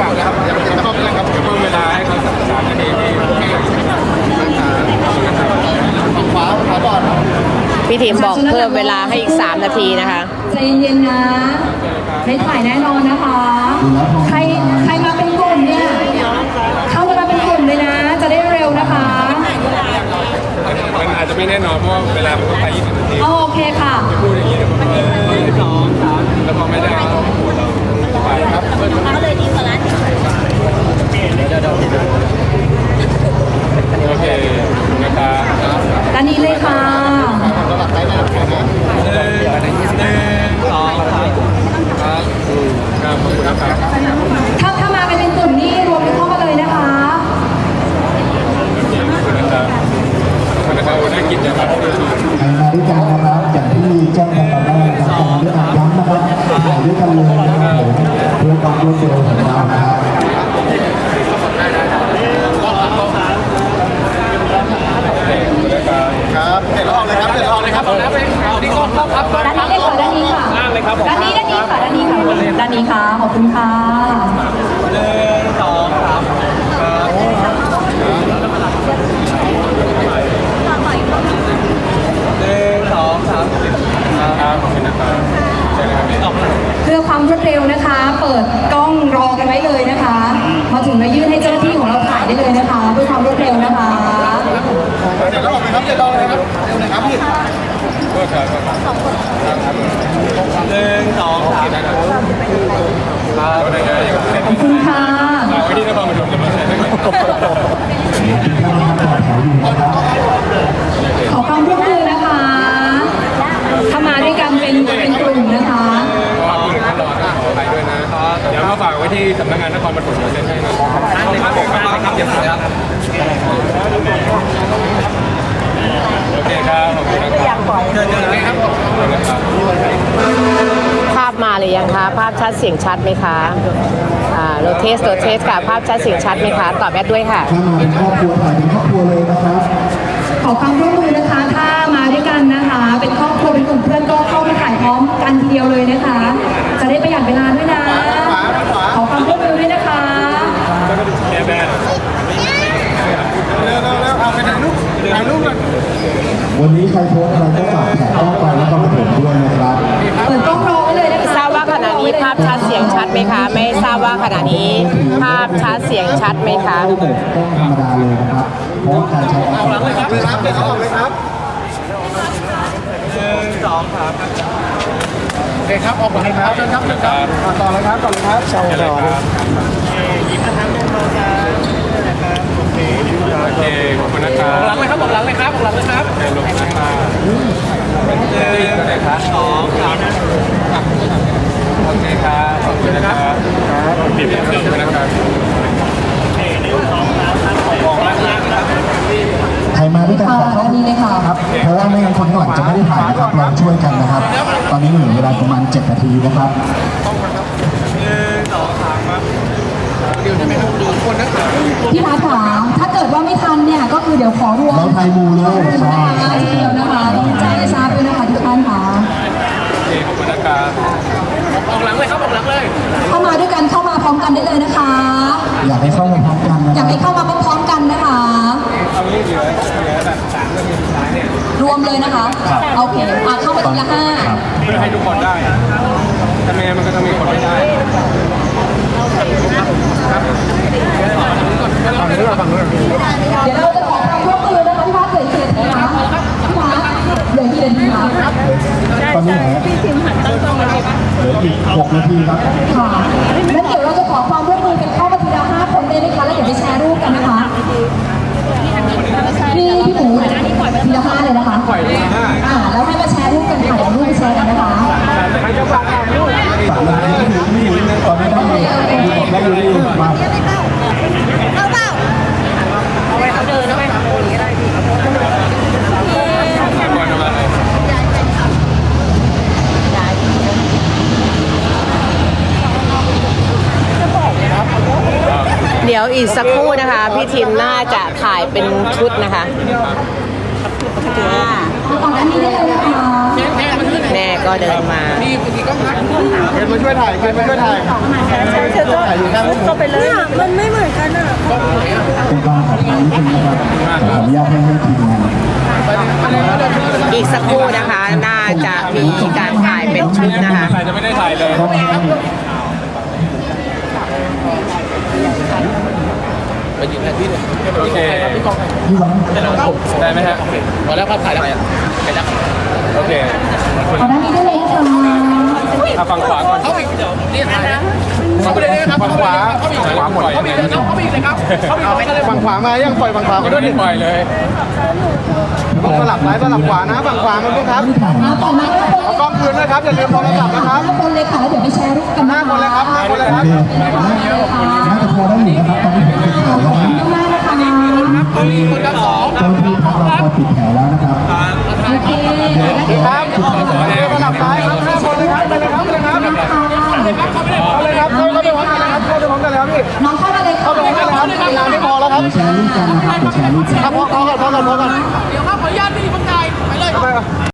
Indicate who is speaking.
Speaker 1: ก่อนนะครับอย่าเข้าไปนะครับเพิ่มเวลาให้เขาสัก3 นาทีฝั่งขวาก่อน
Speaker 2: พี่ทีมบอกเพิ่มเวลาให้อีก3 นาทีนะคะ
Speaker 3: ใจเย็นๆนะให้ถ่ายแน่นอนนะคะใครมาเป็นกลุ่มเนี่ยเข้ามาเป็นกลุ่มเลยนะจะได้เร็วนะคะ
Speaker 1: มันอาจจะไม่แน่นอนเพราะเวลามันก็ไป20 นาที
Speaker 3: โอเคค่ะ
Speaker 1: พูดอย่างนี้แล้วพอไม่ได้ก็ปวดเราไปครับ
Speaker 4: เขาเลยดีกว่าร้าน
Speaker 1: โอเคนะครับ
Speaker 3: ด้านนี้เลยค่ะถ้ามากันเป็นกลุ่มนี่รวมกันเข้ามาเลยนะคะ
Speaker 1: นะครับวันนี้กินจะมาด้วยกัน
Speaker 5: นะครับอย่างที่แจ้งกันตอนแรกนะครับด้วยการย้ำนะครับถ่ายด้วยกันเลยนะครับผมเพื่อความรวดเร็วของเรานะครับ
Speaker 1: ครับเสร็จแล้วออกเลยครับเสร็จแล้วออกเลยครับเอาที่กล้องครับ
Speaker 3: ด้านนี้เลยค่ะด้านนี้ค่ะด้านนี้ค่ะด้านนี้ค่ะด้านนี้ค่ะขอบคุณค่ะ
Speaker 1: 1 2 3ครับขอบคุณนะครับ
Speaker 3: เพื่อความรวดเร็วนะคะ เปิดกล้องรอกันไว้เลยนะคะมาถึงแล้วยื่นให้เจ้าหน้าที่ของเราถ่ายได้เลยนะคะเพื่อความรวดเร็วนะคะ
Speaker 1: เดี๋ยวเราออกเลยครับเดี๋ยวเราเลยครับเร็วเลยครับพี่เพื่อการ1 2 3ครับ
Speaker 3: ขอบคุณค่ะ
Speaker 1: เราไว้ที่นครปฐมจะมาใช้ได้ไหม
Speaker 3: ขอความร่วมมือนะคะถ้ามาด้วยกันเป็นกลุ่มนะคะ
Speaker 1: ก็ผู้หนึ่งขั้นตอนขอไปด้วยนะเดี๋ยวมาฝากไว้ที่สำนักงานนครปฐมเซ็นให้นะครับเดี๋ยวครับโอเคครับขอบคุณนะครับเชิญเลยครับ
Speaker 2: ภาพมาหรือยังคะภาพชัดเสียงชัดไหมคะโรเทสค่ะภาพชัดเสียงชัดไหมคะตอบแอดด้วยค่ะ
Speaker 5: ถ้ามาเป็นครอบครัวถ่ายเป็นครอบครัวเลยนะครับ
Speaker 3: ขอความร่วมมือนะคะถ้ามาด้วยกันนะคะเป็นครอบครัวเป็นกลุ่มเพื่อนก็เข้ามาถ่ายพร้อมกันทีเดียวเลยนะคะจะได้ประหยัดเวลาด้วยนะขอความร่วมมือด้วยนะคะ
Speaker 5: วันนี้ใครโพสอะไรก็ฝากแท็กข้อความแล้วก็มาถึงด้วยนะครับ
Speaker 3: เปิดกล้องรอไว้เลยนะคะ
Speaker 2: ทราบว่าขณะนี้ภาพชัดเสียงชัดไหมคะไม่ทราบว่าขณะนี้ภาพชัดเสียงชัดไหมคะ
Speaker 5: เปิดกล้องธรรมดาเลยนะครับเพราะการใช้แอป
Speaker 1: หลังเลยครับเดี๋ยวเขาออกเลยครับ1 2 3โอเคครับออกเลยครับเชิญครับต่อเลยครับ
Speaker 5: ช่องต่อเลย
Speaker 1: ยิ้มนะครับโอเคขอบคุณนะครับหลังเลยครับหลังเลยครับหลังเลยครับลงนะครับ1 2 3โอเคครับขอบคุณนะครับปิดเครื่องนะครับ
Speaker 5: ใครมาด้วยกันขอเข้า
Speaker 3: นี้เลยค่ะ
Speaker 5: ครับเพราะว่าไม่งั้นคนข้างหลังจะไม่ได้ถ่ายนะครับเราช่วยกันนะครับตอนนี้เหลือเวลาประมาณ7 นาทีนะครับ
Speaker 1: 1 2 3ครับเดี๋ยวจะไม่ต้องดูคนนะครับ
Speaker 3: พี่พัฒน์ถ้าเกิดว่าไม่ทันเนี่ยก็คือเดี๋ยวขอรวม
Speaker 5: เราไทยมูเลย
Speaker 3: ใช่ทีเดียวนะคะต้องแจ้งให้ทราบด้วยนะคะทุกท่านค่ะ
Speaker 1: ขอบคุณนะครับออกหลังเลยครับออกหลังเลย
Speaker 3: เข้ามาด้วยกันเข้ามาพร้อมกันได้เลยนะคะ
Speaker 5: อยากให้เข้ามาพร้อมกันนะ
Speaker 3: อยากให้เข้ามาพร้อมๆกันนะคะ
Speaker 1: เอางี้เหลือแบบ3 นาทีสุดท้ายเนี่ย
Speaker 3: รวมเลยนะคะโอเคเข้ามาทีละ5
Speaker 1: เพื่อให้ทุกคนได้ถ้าไม่งั้นมันก็จะมีคนไม่ได้ครับฝั่งนู้นฝั่งนู้น
Speaker 3: เดี๋ยวเราจะขอความร่วมมือนะคะพี่พัฒน์เหลือกี่นาทีคะพี่พัฒน์เหลือกี่นาทีคะ
Speaker 5: ตอนนี้เหลืออีก6 นาทีครับ
Speaker 3: ค่ะแล้วเดี๋ยวเราจะขอความร่วมมือกันเข้ามาทีละ5 คนได้ไหมคะแล้วเดี๋ยวไปแชร์รูปกันนะคะพี่หมูทีละ5เลยนะคะแล้วให้มาแชร์รูปกันถ่ายรูปไปแชร์กันนะคะ
Speaker 5: 3 นาทีก็ถึงไม่ถึงตอนนี้ต้องมีได้อยู่ที่มา
Speaker 4: เอาไว้เขาเดินเอาไว้เขาอย่างนี้ได้พี่
Speaker 2: เดี๋ยวอีกสักครู่นะคะพี่ทีมน่าจะถ่ายเป็นชุดนะคะ
Speaker 3: ตอนนี้ได้เลยนะคะ
Speaker 2: แม่ก็ก็เดินมา
Speaker 1: นี่เมื่อกี้ก็พัก
Speaker 5: เคนมาช่วยถ่ายเคนมาช่วยถ่ายถ่ายอยู่ข้าง
Speaker 4: ก็ไปเลยมันไม่เหมือนกันอ่ะ
Speaker 5: เป็นกองของนิดนึงนะครับขออนุญาตให้ทีมงาน
Speaker 2: อีกสักครู่นะคะ น่าจะมีการถ่ายเป็นชุดนะคะ
Speaker 1: ใครจะไม่ได้ถ่ายเลย
Speaker 5: ก็ให้
Speaker 1: ไปยืนแทนที่เลยโอเค
Speaker 5: พี่หวัง
Speaker 1: ได้ไหมฮะพอแล้วครับถ่ายแล้วไปแล้วโอเค
Speaker 3: ขอด้านนี้ได้เลยค่ะ
Speaker 1: ฝั่งขวาก่อนเข้าอีกเดี๋ยวนี่ถ่ายนะเข้าไปเลยนะครับฝั่งขวาเข้าอีกขวาหมดเข้าอีกเลยครับเข้าอีกเลยครับเข้าอีกเลย
Speaker 5: ฝั่งขวามายังปล่อยฝั่งขวา
Speaker 1: ก็
Speaker 5: มา
Speaker 1: โด
Speaker 5: ด้วย
Speaker 1: นปล่อยเลย
Speaker 5: ต้องสลับซ้ายสลับขวานะฝั่งขวามาด้วยครับ
Speaker 3: ต่อมา
Speaker 5: เอากล้องคืนด้วยครับอย่าลืมโทรศัพท์นะครับ
Speaker 3: 5 คนเลยค่ะแล้วเดี๋ยวไปแชร์รูปกัน
Speaker 5: 5 คนเลยครับ5 คนเลยครับน่าจะพอได้อยู่นะครับตอนนี้ผมปิดแถวแล้วนะ
Speaker 3: มากนะคะ
Speaker 1: ตอนนี้คนละสอง
Speaker 5: เจ้าที่พักเราพอปิดแถวแล้วนะครับ
Speaker 3: โอเค
Speaker 5: ครับสลับซ้ายครับ5 คนเลยครับไปเลยครับไปเลยครับเอาเลยครับเข้าไปพร้อมกันเลยครับเข้าไปพร้อมกันเลยครับพี่
Speaker 3: น้องเข้ามาเลย
Speaker 5: เข้าไปพร้อมกันเลยครับเวลาไม่พอแล้วครับ เดี๋ยวแชร์รูปกันนะครับเดี๋ยวแชร์รูปกัน
Speaker 1: เดี๋ยวครับขออนุญาตพี่บังไกไปเลย